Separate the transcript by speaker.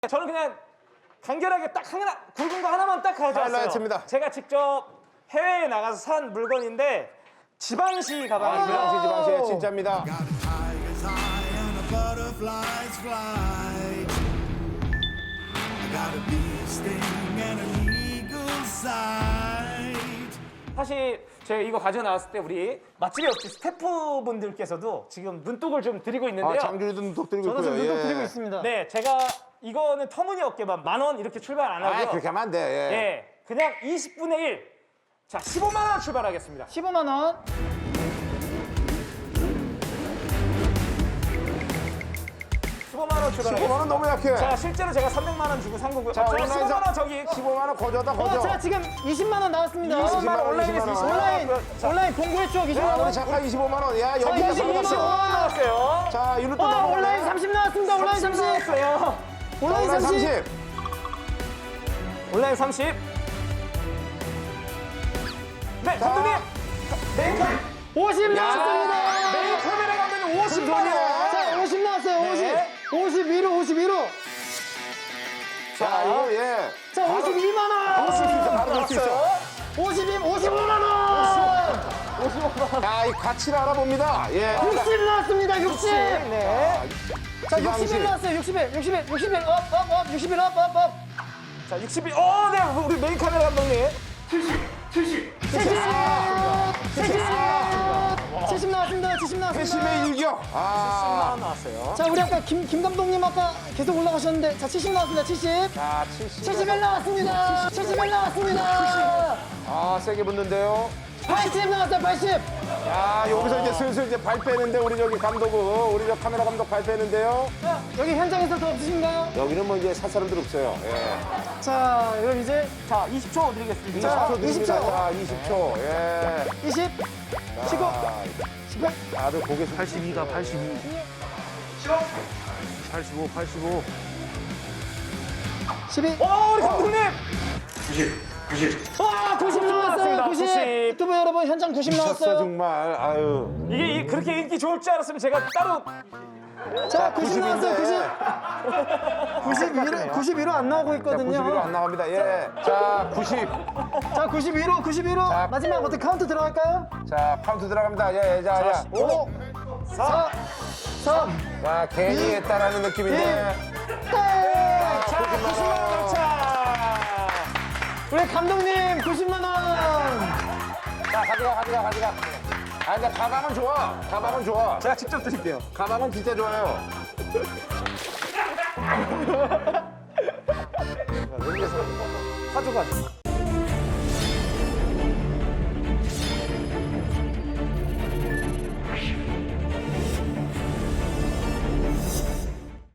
Speaker 1: 저는 그냥 간결하게 딱 하나, 굵은 거 하나만 딱 가져왔어요.
Speaker 2: 하이라이트입니다.
Speaker 1: 제가 직접 해외에 나가서 산 물건인데 지방시 가방이고요.
Speaker 2: 지방시 진짜입니다.
Speaker 1: 사실 제가 이거 가져 나왔을 때 우리 맛집의 옆집 스태프분들께서도 지금 눈독을 좀 드리고 있는데요.
Speaker 2: 장준이도 눈독 들고 있고요.
Speaker 3: 저도 지금 눈독 드리고 있습니다.
Speaker 1: 네, 제가 이거는 터무니없게만 10,000원 이렇게 출발 안 하고요.
Speaker 2: 그렇게 하면 안 돼. 예.
Speaker 1: 예, 그냥 20분의 1. 자, 15만 원 출발하겠습니다.
Speaker 3: 15만 원.
Speaker 1: 15만 원 출발하겠습니다.
Speaker 2: 15만 원 너무 약해.
Speaker 1: 자, 실제로 제가 300만 원 주고 산 거고요.
Speaker 2: 자,
Speaker 1: 저
Speaker 2: 온라인상
Speaker 1: 15만 원 저기
Speaker 2: 15만 원 거저다 거저.
Speaker 3: 자, 지금 20만 원 나왔습니다.
Speaker 1: 20만 원 온라인에서
Speaker 2: 20만
Speaker 1: 20만
Speaker 2: 원.
Speaker 1: 원.
Speaker 3: 온라인 공고의 추억 20만
Speaker 2: 야, 우리
Speaker 3: 원.
Speaker 2: 작가 25만 원. 야,
Speaker 3: 자,
Speaker 2: 여기가
Speaker 3: 22만 원.
Speaker 1: 20만 원 나왔어요.
Speaker 2: 자, 이로 또 넘어가네.
Speaker 3: 온라인 30 나왔습니다. 온라인 30.
Speaker 1: 나왔어요.
Speaker 3: 온라인 30.
Speaker 1: 온라인 30. 네, 감독님. 메인 카메라.
Speaker 3: 50 나왔습니다.
Speaker 1: 메인 카메라 감독님 50만 원.
Speaker 3: 자, 50 나왔어요. 50.
Speaker 1: 네.
Speaker 3: 51호, 51호.
Speaker 2: 자, 이거 예.
Speaker 3: 자, 52만 원.
Speaker 2: 볼수 있어. 바로 볼 수 있어.
Speaker 3: 55만 원.
Speaker 2: 야, 이 가치를 알아봅니다. 예.
Speaker 3: 60 나왔습니다. 60.
Speaker 1: 네.
Speaker 3: 자,
Speaker 2: 지방시.
Speaker 3: 61 나왔어요. 61. 61. 61. 업, 업, 업. 61 업, 업, 업.
Speaker 1: 자, 61. 네, 우리 메인 카메라 감독님.
Speaker 3: 70. 70 나왔습니다. 70 나왔습니다.
Speaker 2: 회심의 일격.
Speaker 1: 10만
Speaker 2: 아.
Speaker 1: 원 나왔어요.
Speaker 3: 자, 우리 아까 김 감독님 아까 계속 올라가셨는데 자, 70 나왔습니다. 70.
Speaker 2: 자, 70.
Speaker 3: 71 나왔습니다. 71 나왔습니다.
Speaker 2: 아, 세게 붙는데요.
Speaker 3: 80 나왔어요. 80.
Speaker 2: 야, 여기서 이제 슬슬 이제 발 빼는데 우리 저기 감독은 우리 저 카메라 감독 발 빼는데요.
Speaker 3: 자, 여기 현장에서 더 없으신가요?
Speaker 2: 여기는 뭐 이제 살 사람들 없어요. 예.
Speaker 3: 자, 이거 이제
Speaker 1: 자, 20초 드리겠습니다.
Speaker 3: 자,
Speaker 2: 20초 드립니다.
Speaker 3: 20초.
Speaker 2: 자, 20초. 예.
Speaker 3: 20. 15.
Speaker 2: 자,
Speaker 3: 18.
Speaker 2: 다들 고개
Speaker 4: 82가 82. 85, 85.
Speaker 3: 12.
Speaker 1: 우리 감독님.
Speaker 3: 90 나왔어요. 90.
Speaker 1: 90.
Speaker 3: 유튜브 여러분 현장 90
Speaker 2: 미쳤어
Speaker 3: 나왔어요.
Speaker 2: 정말. 아유.
Speaker 1: 이게 그렇게 인기 좋을 줄 알았으면 제가 따로
Speaker 3: 자, 90 나왔어요. 90. 91호 안 나오고
Speaker 2: 자,
Speaker 3: 있거든요.
Speaker 2: 91호 안 나갑니다. 예. 자, 90.
Speaker 3: 자, 91호, 91호.
Speaker 2: 자.
Speaker 3: 마지막 어떻게 카운트 들어갈까요?
Speaker 2: 자, 카운트 들어갑니다. 예, 자, 자.
Speaker 3: 5, 4, 3,
Speaker 2: 자, 괜히 했다라는 느낌인데.
Speaker 3: 땡!
Speaker 1: 자, 90만 원 차.
Speaker 3: 우리 감독님 90만 원.
Speaker 2: 자, 가져가. 아, 근데 가방은 좋아. 가방은 좋아.
Speaker 1: 제가 직접 드릴게요.
Speaker 2: 가방은 진짜 좋아요.
Speaker 1: 가져가죠.